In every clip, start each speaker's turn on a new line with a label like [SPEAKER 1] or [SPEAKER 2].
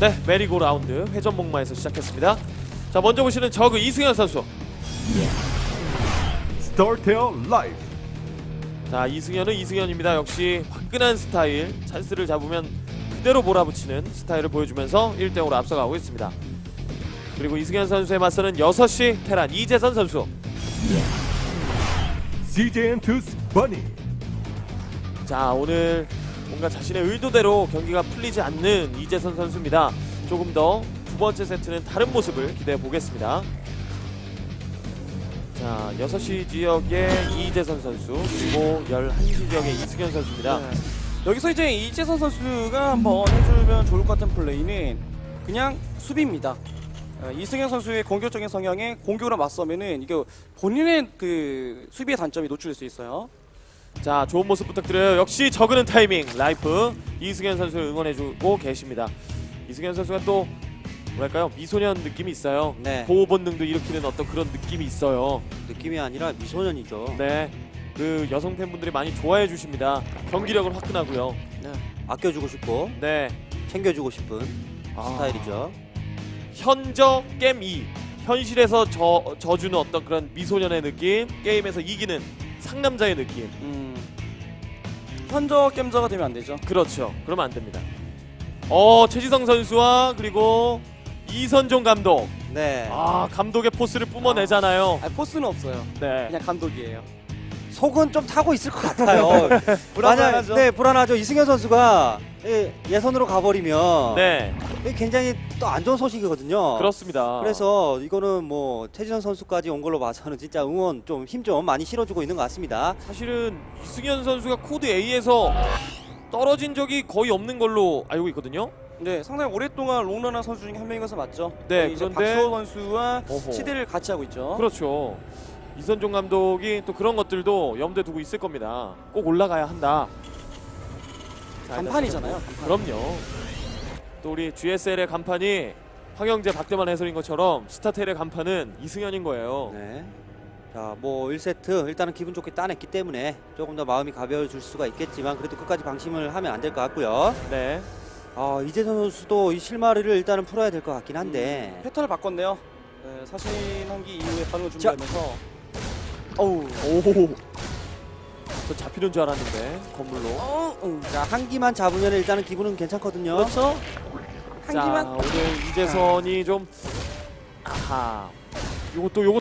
[SPEAKER 1] 네, 메리고 라운드 회전 목마에서 시작했습니다. 자, 먼저 보시는 저그 이승현 선수.
[SPEAKER 2] 스타테어 라이브.
[SPEAKER 1] 자, 이승현은 이승현입니다. 역시 화끈한 스타일, 찬스를 잡으면 그대로 몰아붙이는 스타일을 보여주면서 1대0으로 앞서가고 있습니다. 그리고 이승현 선수에 맞서는 6시 테란 이재선 선수.
[SPEAKER 2] CJ 엔투스 버니.
[SPEAKER 1] 자, 오늘 뭔가 자신의 의도대로 경기가 풀리지 않는 이재선 선수입니다. 조금 더 두 번째 세트는 다른 모습을 기대해 보겠습니다. 자, 6시 지역의 이재선 선수, 그리고 11시 지역의 이승현 선수입니다.
[SPEAKER 3] 네. 여기서 이제 이재선 선수가 한번 해주면 좋을 것 같은 플레이는 그냥 수비입니다. 이승현 선수의 공격적인 성향에 공격으로 맞서면은 이게 본인의 그 수비의 단점이 노출될 수 있어요.
[SPEAKER 1] 자, 좋은 모습 부탁드려요. 역시 저그는 타이밍 라이프 이승현 선수를 응원해주고 계십니다. 이승현 선수가 또 뭐랄까요, 미소년 느낌이 있어요.
[SPEAKER 4] 네.
[SPEAKER 1] 보호 본능도 일으키는 어떤 그런 느낌이 있어요.
[SPEAKER 4] 느낌이 아니라 미소년이죠.
[SPEAKER 1] 네, 그 여성 팬분들이 많이 좋아해 주십니다. 경기력은 화끈하고요.
[SPEAKER 4] 네. 아껴주고 싶고
[SPEAKER 1] 네,
[SPEAKER 4] 챙겨주고 싶은 스타일이죠.
[SPEAKER 1] 현저 겜2, 현실에서 져주는 어떤 그런 미소년의 느낌, 게임에서 이기는 상남자의 느낌.
[SPEAKER 3] 현저 겜저가 되면 안 되죠.
[SPEAKER 1] 그렇죠. 그러면 안 됩니다. 최지성 선수와 그리고 이선종 감독.
[SPEAKER 4] 네.
[SPEAKER 1] 감독의 포스를 뿜어내잖아요.
[SPEAKER 3] 포스는 없어요.
[SPEAKER 1] 네.
[SPEAKER 3] 그냥 감독이에요.
[SPEAKER 4] 속은 좀 타고 있을 것 같아요.
[SPEAKER 3] 불안하죠.
[SPEAKER 4] 네, 불안하죠. 이승현 선수가 예선으로 가버리면
[SPEAKER 1] 네,
[SPEAKER 4] 굉장히 또 안 좋은 소식이거든요.
[SPEAKER 1] 그렇습니다.
[SPEAKER 4] 그래서 이거는 뭐 최지선 선수까지 온 걸로 봐서는 진짜 응원 좀 힘 좀 많이 실어주고 있는 것 같습니다.
[SPEAKER 1] 사실은 이승현 선수가 코드 A에서 떨어진 적이 거의 없는 걸로 알고 있거든요.
[SPEAKER 3] 네, 상당히 오랫동안 롱런한 선수 중에 한 명인 것은 맞죠.
[SPEAKER 1] 네,
[SPEAKER 3] 이제
[SPEAKER 1] 그런데
[SPEAKER 3] 박수호 선수와
[SPEAKER 1] 어허.
[SPEAKER 3] 시대를 같이 하고 있죠.
[SPEAKER 1] 그렇죠. 이선종 감독이 또 그런 것들도 염두에 두고 있을 겁니다. 꼭 올라가야 한다. 자,
[SPEAKER 3] 간판이잖아요. 간판.
[SPEAKER 1] 그럼요. 또 우리 GSL의 간판이 황영재 박대만 해설인 것처럼 스타텔의 간판은 이승현인 거예요.
[SPEAKER 4] 네. 자, 뭐 1세트 일단은 기분 좋게 따냈기 때문에 조금 더 마음이 가벼워질 수가 있겠지만 그래도 끝까지 방심을 하면 안 될 것 같고요.
[SPEAKER 1] 네.
[SPEAKER 4] 이재선 선수도 이 실마리를 일단은 풀어야 될 것 같긴 한데
[SPEAKER 3] 패턴을 바꿨네요. 네, 사신 한기 이후에 반응을
[SPEAKER 4] 자.
[SPEAKER 3] 준비하면서 어우,
[SPEAKER 1] 오. 저 잡히는 줄 알았는데 건물로.
[SPEAKER 4] 자, 한 기만 잡으면 일단은 기분은 괜찮거든요.
[SPEAKER 3] 그렇죠. 한
[SPEAKER 1] 자,
[SPEAKER 3] 기만.
[SPEAKER 1] 오늘 이재선이 좀 아하. 요것도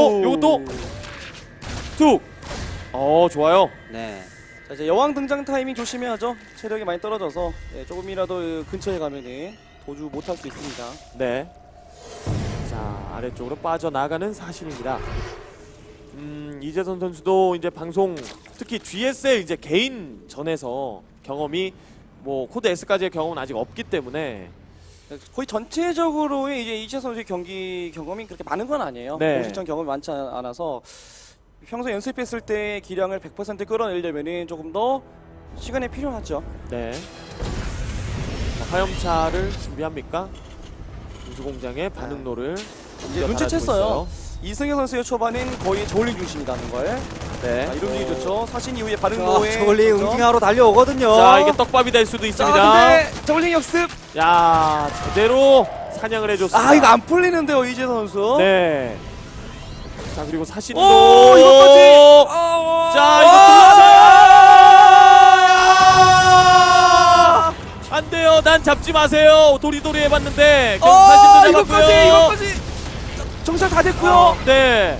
[SPEAKER 1] 툭. 좋아요.
[SPEAKER 4] 네.
[SPEAKER 3] 자, 이제 여왕 등장 타이밍 조심해야죠. 체력이 많이 떨어져서 조금이라도 근처에 가면은 도주 못할 수 있습니다.
[SPEAKER 1] 네. 자, 아래쪽으로 빠져나가는 사실입니다. 이재선 선수도 이제 방송, 특히 GSL 이제 개인 전에서 경험이 뭐 코드 S까지의 경험은 아직 없기 때문에
[SPEAKER 3] 거의 전체적으로의 이제 이재 선수의 경기 경험이 그렇게 많은 건 아니에요.
[SPEAKER 1] 네.
[SPEAKER 3] 공식전 경험이 많지 않아서 평소 연습했을 때 기량을 100% 끌어내려면은 조금 더 시간이 필요하죠.
[SPEAKER 1] 네. 자, 화염차를 준비합니까? 우수공장의 반응로를
[SPEAKER 3] 이제 눈치챘어요. 이승현 선수의 초반은 거의 저울링 중심이라는 걸.
[SPEAKER 1] 네.
[SPEAKER 3] 자, 이런 게 좋죠. 사신 이후에 반응로에
[SPEAKER 4] 저걸리 응징하러 달려오거든요.
[SPEAKER 1] 자, 이게 떡밥이 될 수도 있습니다.
[SPEAKER 3] 근데 저울링 역습.
[SPEAKER 1] 야, 제대로 사냥을 해줬습니다.
[SPEAKER 3] 이거 안 풀리는데요, 이재 선수.
[SPEAKER 1] 네. 자, 그리고 사신도.
[SPEAKER 3] 오, 이것까지.
[SPEAKER 1] 자, 이거 들어가요. 안 돼요. 난 잡지 마세요. 도리도리 해봤는데 사신도 잡았고요.
[SPEAKER 3] 이것까지. 정찰 다 됐고요.
[SPEAKER 1] 네.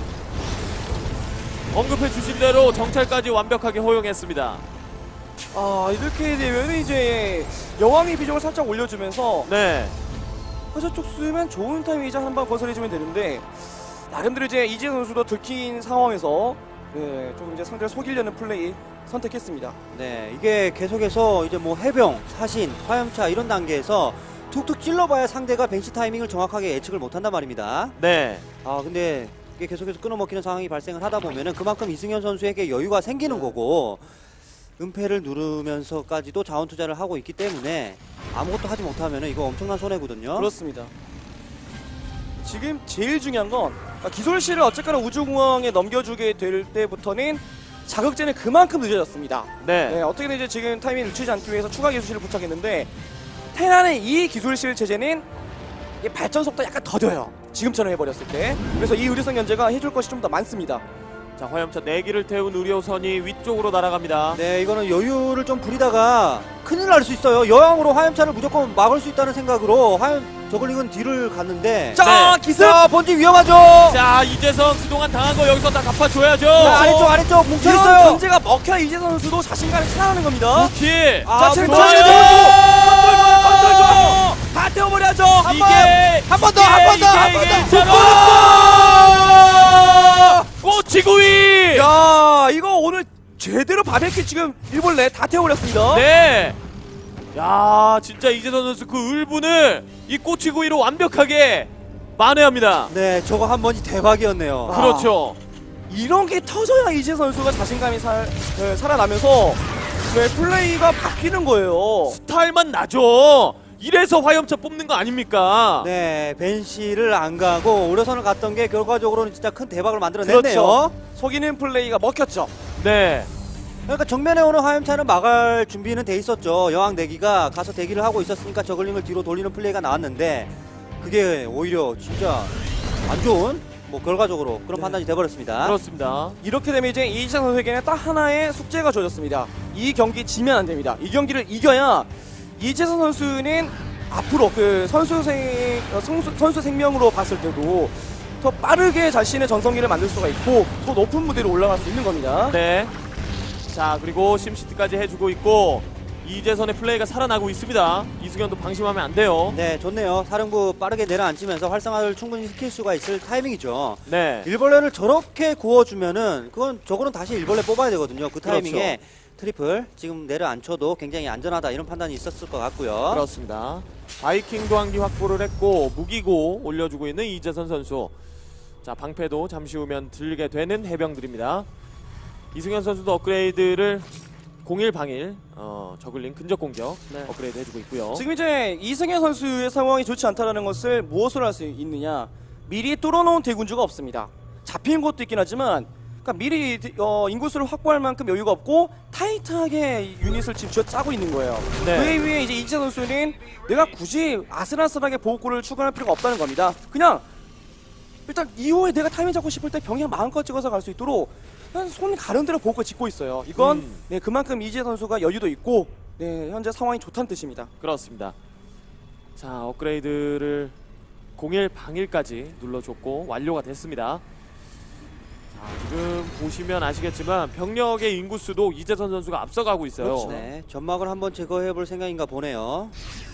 [SPEAKER 1] 언급해 주신 대로 정찰까지 완벽하게 허용했습니다.
[SPEAKER 3] 이렇게 되면 이제 여왕의 비중을 살짝 올려주면서
[SPEAKER 1] 네.
[SPEAKER 3] 화저 쪽 쓰면 좋은 타이밍이자 한방 건설해주면 되는데 나름대로 이제 이재 선수도 들킨 상황에서 조금 이제 상대를 속이려는 플레이 선택했습니다.
[SPEAKER 4] 네, 이게 계속해서 이제 뭐 해병, 사신, 화염차 이런 단계에서 툭툭 찔러봐야 상대가 벤치 타이밍을 정확하게 예측을 못한단 말입니다.
[SPEAKER 1] 네.
[SPEAKER 4] 근데 이게 계속해서 끊어먹히는 상황이 발생을 하다 보면은 그만큼 이승현 선수에게 여유가 생기는 거고 은폐를 누르면서까지도 자원 투자를 하고 있기 때문에 아무것도 하지 못하면은 이거 엄청난 손해거든요.
[SPEAKER 3] 그렇습니다. 지금 제일 중요한 건 기솔씨를 어쨌거나 우주공항에 넘겨주게 될 때부터는 자극제는 그만큼 늦어졌습니다.
[SPEAKER 1] 네.
[SPEAKER 3] 어떻게든 이제 지금 타이밍을 늦추지 않기 위해서 추가 기술실을 부착했는데 테란의 이 기술실 체제는 이 발전 속도 약간 더뎌요. 지금처럼 해버렸을 때. 그래서 이 의료선 견제가 해줄 것이 좀 더 많습니다.
[SPEAKER 1] 자, 화염차 4기를 태운 의료선이 위쪽으로 날아갑니다.
[SPEAKER 4] 네, 이거는 여유를 좀 부리다가 큰일 날 수 있어요. 여왕으로 화염차를 무조건 막을 수 있다는 생각으로 저글링은 뒤를 갔는데.
[SPEAKER 3] 자,
[SPEAKER 1] 네.
[SPEAKER 3] 기습!
[SPEAKER 4] 자, 본진 위험하죠.
[SPEAKER 1] 자, 이재성 그동안 당한 거 여기서 다 갚아줘야죠.
[SPEAKER 4] 아래쪽 뭉쳐
[SPEAKER 3] 이런
[SPEAKER 4] 있어요.
[SPEAKER 3] 견제가 먹혀 이재 선수도 자신감이 살아나는 겁니다.
[SPEAKER 1] 킬.
[SPEAKER 3] 자,
[SPEAKER 4] 아,
[SPEAKER 3] 체력
[SPEAKER 4] 좋아요.
[SPEAKER 3] 좋아요. 컨트롤 좋아요. 컨트롤 좋아요. 다 태워버려야죠.
[SPEAKER 1] 이게
[SPEAKER 4] 한 번 더, 한 번 더, 한 번 더.
[SPEAKER 1] 꼬치구이.
[SPEAKER 3] 야, 이거 오늘 제대로 바베큐 지금 일벌레 다 태워버렸습니다.
[SPEAKER 1] 네. 야, 진짜 이재성 선수 그 울분을 이 꼬치구이로 완벽하게 만회합니다.
[SPEAKER 4] 네, 저거 한 번이 대박이었네요.
[SPEAKER 3] 아.
[SPEAKER 1] 그렇죠.
[SPEAKER 3] 이런 게 터져야 이재 선수가 자신감이 살아나면서 플레이가 바뀌는 거예요.
[SPEAKER 1] 스타일만 나죠. 이래서 화염차 뽑는 거 아닙니까?
[SPEAKER 4] 네, 벤시를 안 가고 오려선을 갔던 게 결과적으로는 진짜 큰 대박을 만들어냈네요.
[SPEAKER 3] 그렇죠. 속이는 플레이가 먹혔죠.
[SPEAKER 1] 네.
[SPEAKER 4] 그러니까 정면에 오는 화염차는 막을 준비는 돼 있었죠. 여왕 내기가 가서 대기를 하고 있었으니까 저글링을 뒤로 돌리는 플레이가 나왔는데 그게 오히려 진짜 안 좋은 결과적으로 그런 판단이 돼버렸습니다.
[SPEAKER 1] 그렇습니다.
[SPEAKER 3] 이렇게 되면 이제 이재 선수에게는 딱 하나의 숙제가 주어졌습니다. 이 경기 지면 안 됩니다. 이 경기를 이겨야 이재선 선수는 앞으로 그 선수 생명으로 봤을 때도 더 빠르게 자신의 전성기를 만들 수가 있고 더 높은 무대로 올라갈 수 있는 겁니다.
[SPEAKER 1] 네. 자, 그리고 심시티까지 해주고 있고 이재선의 플레이가 살아나고 있습니다. 이승현도 방심하면 안 돼요.
[SPEAKER 4] 네, 좋네요. 사령부 빠르게 내려앉히면서 활성화를 충분히 시킬 수가 있을 타이밍이죠.
[SPEAKER 1] 네.
[SPEAKER 4] 일벌레를 저렇게 구워주면은 저거는 다시 일벌레 뽑아야 되거든요. 그 타이밍에
[SPEAKER 1] 그렇죠.
[SPEAKER 4] 트리플 지금 내려앉혀도 굉장히 안전하다 이런 판단이 있었을 것 같고요.
[SPEAKER 1] 그렇습니다. 바이킹도 한 기 확보를 했고 무기고 올려주고 있는 이재선 선수. 자, 방패도 잠시 후면 들게 되는 해병들입니다. 이승현 선수도 업그레이드를 01방일 저글링 근접 공격
[SPEAKER 3] 네.
[SPEAKER 1] 업그레이드 해주고 있고요.
[SPEAKER 3] 지금 이제 이승현 선수의 상황이 좋지 않다는 것을 무엇으로 할 수 있느냐? 미리 뚫어놓은 대군주가 없습니다. 잡히는 것도 있긴 하지만 그러니까 미리 인구수를 확보할 만큼 여유가 없고 타이트하게 유닛을 지금 짜고 있는 거예요.
[SPEAKER 1] 네.
[SPEAKER 3] 그에 비해 이제 이재 선수는 내가 굳이 아슬아슬하게 보호구를 추가할 필요가 없다는 겁니다. 그냥 일단 이후에 내가 타이밍 잡고 싶을 때 병력 마음껏 찍어서 갈 수 있도록 그냥 손 가는 대로 보호구 짓고 있어요. 이건 네, 그만큼 이재 선수가 여유도 있고 네, 현재 상황이 좋다는 뜻입니다.
[SPEAKER 1] 그렇습니다. 자, 업그레이드를 01방일까지 눌러줬고 완료가 됐습니다. 자, 지금 보시면 아시겠지만 병력의 인구수도 이재선 선수가 앞서가고 있어요.
[SPEAKER 3] 그렇죠.
[SPEAKER 4] 네, 점막을 한번 제거해 볼 생각인가 보네요.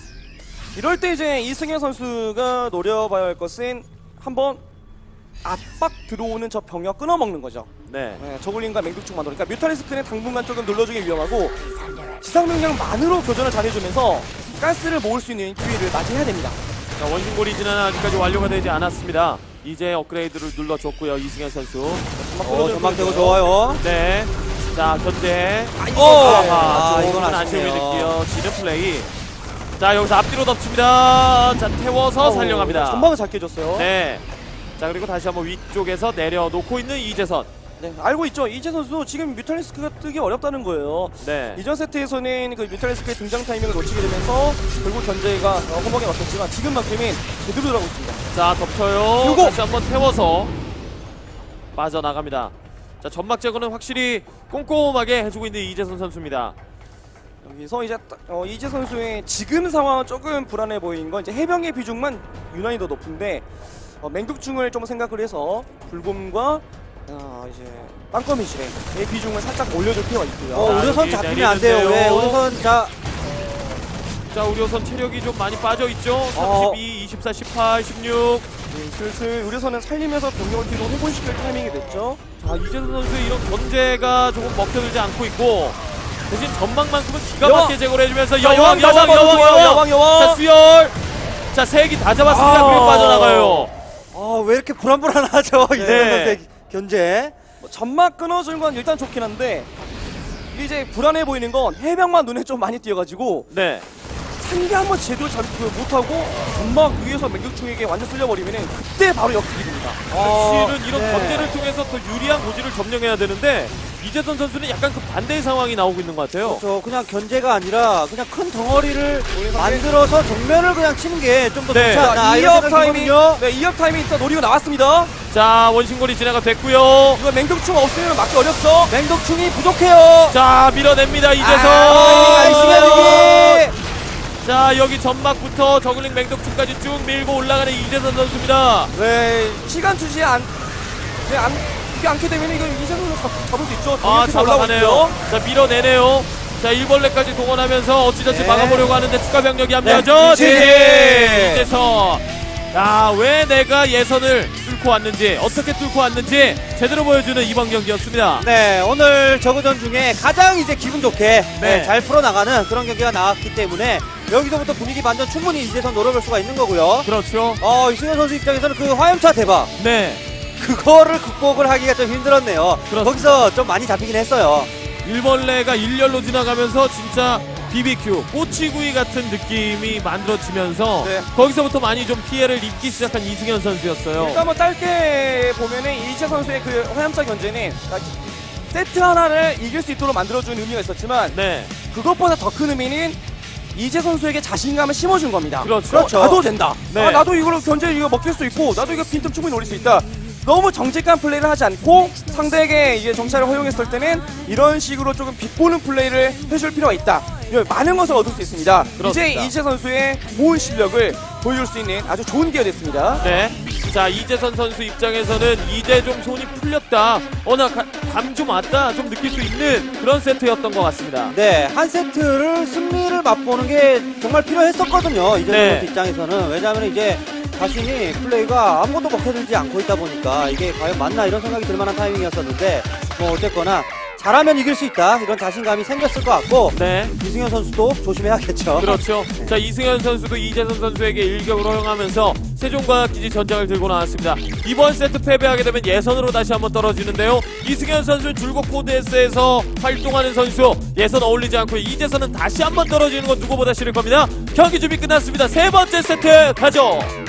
[SPEAKER 3] 이럴 때 이제 이승현 선수가 노려봐야 할 것은 한번 압박 들어오는 저 병력 끊어먹는 거죠.
[SPEAKER 1] 네.
[SPEAKER 3] 네, 저글링과 맹독충 만들어. 그러니까 뮤탈리스크는 당분간 조금 눌러주기 위험하고 지상 명령만으로 교전을 잘해주면서 가스를 모을 수 있는 기회를 맞이해야 됩니다.
[SPEAKER 1] 자, 원심고리 진화는 아직까지 완료가 되지 않았습니다. 이제 업그레이드를 눌러줬고요. 이승현 선수.
[SPEAKER 4] 점막 제거 좋아요.
[SPEAKER 1] 네. 자, 견제.
[SPEAKER 4] 아,
[SPEAKER 1] 조금은
[SPEAKER 4] 이건
[SPEAKER 1] 아쉬움이
[SPEAKER 4] 아쉽네요.
[SPEAKER 1] 느껴지는 플레이. 자, 여기서 앞뒤로 덮칩니다. 자, 태워서 살려갑니다.
[SPEAKER 3] 전방을 잘 깨줬어요.
[SPEAKER 1] 네. 자, 그리고 다시 한번 위쪽에서 내려놓고 있는 이재선.
[SPEAKER 3] 네, 알고 있죠. 이재 선수 지금 뮤탈리스크가 뜨기 어렵다는 거예요.
[SPEAKER 1] 네.
[SPEAKER 3] 이전 세트에서는 그 뮤탈리스크의 등장 타이밍을 놓치게 되면서 결국 견제가 허벅에 맞췄지만 지금만큼은 제대로 들어가고 있습니다.
[SPEAKER 1] 자, 덮쳐요.
[SPEAKER 3] 요거!
[SPEAKER 1] 다시 한번 태워서 빠져나갑니다. 자, 점막 제거는 확실히 꼼꼼하게 해주고 있는 이재선 선수입니다.
[SPEAKER 3] 여기서 이제 이재 선수의 지금 상황은 조금 불안해 보이는 건 이제 해병의 비중만 유난히 더 높은데 맹독충을 좀 생각을 해서 불곰과 이제 땅거미질의 비중을 살짝 올려줄 필요가 있고요.
[SPEAKER 4] 우려선
[SPEAKER 1] 여기
[SPEAKER 4] 잡히면 안 돼요.
[SPEAKER 1] 내리는데요.
[SPEAKER 4] 왜 우려선
[SPEAKER 1] 자, 우려선 체력이 좀 많이 빠져있죠. 32, 24, 18, 16.
[SPEAKER 3] 네, 슬슬 의료선은 살리면서 병력을 뒤로 회복시킬 타이밍이 됐죠.
[SPEAKER 1] 자, 이재선 선수의 이런 견제가 조금 먹혀들지 않고 있고 대신 전망만큼은 기가
[SPEAKER 3] 여왕!
[SPEAKER 1] 막히게 제거를 해주면서
[SPEAKER 3] 자,
[SPEAKER 1] 여왕.
[SPEAKER 3] 여왕.
[SPEAKER 1] 자, 수열. 자, 세 기 다 잡았습니다. 그리고 빠져나가요.
[SPEAKER 4] 왜 이렇게 불안불안하죠? 이재선
[SPEAKER 1] 네.
[SPEAKER 4] 선수의 견제.
[SPEAKER 3] 점막 끊어주는 건 일단 좋긴 한데 이제 불안해 보이는 건 해병만 눈에 좀 많이 띄어가지고
[SPEAKER 1] 네.
[SPEAKER 3] 상대 한번 제대로 잘 못하고 점막 위에서 맹격충에게 완전 쓸려버리면 그때 바로 역습이 됩니다.
[SPEAKER 1] 사실은 이런
[SPEAKER 4] 네.
[SPEAKER 1] 견제를 통해서 더 유리한 고지를 점령해야 되는데 이재선 선수는 약간 그 반대의 상황이 나오고 있는 것 같아요.
[SPEAKER 4] 그렇죠. 그냥 견제가 아니라 그냥 큰 덩어리를 만들어서 정면을 그냥 치는 게 좀 더
[SPEAKER 1] 네.
[SPEAKER 4] 좋지 않나.
[SPEAKER 3] 자,
[SPEAKER 4] 이런
[SPEAKER 3] 2업
[SPEAKER 4] 생각이
[SPEAKER 3] 타이밍,
[SPEAKER 4] 들거든요.
[SPEAKER 3] 네, 2업 타이밍 일단 노리고 나왔습니다.
[SPEAKER 1] 자, 원심골이 진화가 됐고요.
[SPEAKER 3] 이거 맹독충 없으면 막기 어렵죠.
[SPEAKER 4] 맹독충이 부족해요.
[SPEAKER 1] 자, 밀어냅니다 이재선.
[SPEAKER 4] 이승현
[SPEAKER 1] 자, 여기 점막부터 저글링 맹독충까지 쭉 밀고 올라가는 이재선 선수입니다.
[SPEAKER 3] 네, 시간 주지 이게 않게 되면 이거 이재선 선수 잡을 수 있죠.
[SPEAKER 1] 아,
[SPEAKER 3] 이렇게 올라오고
[SPEAKER 1] 잡아가네요.
[SPEAKER 3] 있죠.
[SPEAKER 1] 자, 밀어내네요. 자, 일벌레까지 동원하면서 어찌저찌
[SPEAKER 4] 네.
[SPEAKER 1] 막아보려고 하는데 추가 병력이 합류하죠.
[SPEAKER 4] 네,
[SPEAKER 1] 이재선. 야, 왜 내가 예선을 뚫고 왔는지, 어떻게 뚫고 왔는지 제대로 보여주는 이번 경기였습니다.
[SPEAKER 4] 네, 오늘 저그전 중에 가장 이제 기분 좋게
[SPEAKER 1] 네.
[SPEAKER 4] 잘 풀어나가는 그런 경기가 나왔기 때문에 여기서부터 분위기 반전 충분히 이재선 노려볼 수가 있는 거고요.
[SPEAKER 1] 그렇죠.
[SPEAKER 4] 이승현 선수 입장에서는 그 화염차 대박
[SPEAKER 1] 네.
[SPEAKER 4] 그거를 극복을 하기가 좀 힘들었네요.
[SPEAKER 1] 그렇습니다.
[SPEAKER 4] 거기서 좀 많이 잡히긴 했어요.
[SPEAKER 1] 일벌레가 일렬로 지나가면서 진짜 BBQ, 꼬치구이 같은 느낌이 만들어지면서
[SPEAKER 3] 네.
[SPEAKER 1] 거기서부터 많이 좀 피해를 입기 시작한 이승현 선수였어요.
[SPEAKER 3] 일단 뭐 짧게 보면은 이재 선수의 그 화염차 견제는 세트 하나를 이길 수 있도록 만들어주는 의미가 있었지만
[SPEAKER 1] 네.
[SPEAKER 3] 그것보다 더 큰 의미는 이재 선수에게 자신감을 심어준 겁니다.
[SPEAKER 1] 그렇죠.
[SPEAKER 3] 나도 된다.
[SPEAKER 1] 네.
[SPEAKER 3] 아, 나도 이걸로 견제 이거 먹힐 수 있고 나도 이거 빈틈 충분히 노릴 수 있다. 너무 정직한 플레이를 하지 않고 상대에게 이게 정찰을 허용했을 때는 이런 식으로 조금 비꼬는 플레이를 해줄 필요가 있다. 이런 많은 것을 얻을 수 있습니다.
[SPEAKER 1] 그렇습니다.
[SPEAKER 3] 이제 이재 선수의 모은 실력을 보여줄 수 있는 아주 좋은 기회가 됐습니다.
[SPEAKER 1] 네. 자, 이재선 선수 입장에서는 이제 좀 손이 풀렸다. 나 감 좀 왔다. 좀 느낄 수 있는 그런 세트였던 것 같습니다.
[SPEAKER 4] 네, 한 세트를 승리를 맛보는 게 정말 필요했었거든요. 이재선
[SPEAKER 1] 네.
[SPEAKER 4] 선수 입장에서는. 왜냐하면 이제 자신이 플레이가 아무것도 먹혀들지 않고 있다 보니까 이게 과연 맞나 이런 생각이 들 만한 타이밍이었었는데 뭐 어쨌거나 잘하면 이길 수 있다 이런 자신감이 생겼을 것 같고
[SPEAKER 1] 네.
[SPEAKER 4] 이승현 선수도 조심해야겠죠.
[SPEAKER 1] 그렇죠. 자, 이승현 선수도 이재선 선수에게 일격을 허용하면서 세종과학기지 전장을 들고 나왔습니다. 이번 세트 패배하게 되면 예선으로 다시 한번 떨어지는데요. 이승현 선수는 줄곧 코드S에서 활동하는 선수, 예선 어울리지 않고 이재선은 다시 한번 떨어지는 건 누구보다 싫을 겁니다. 경기 준비 끝났습니다. 세 번째 세트 가죠.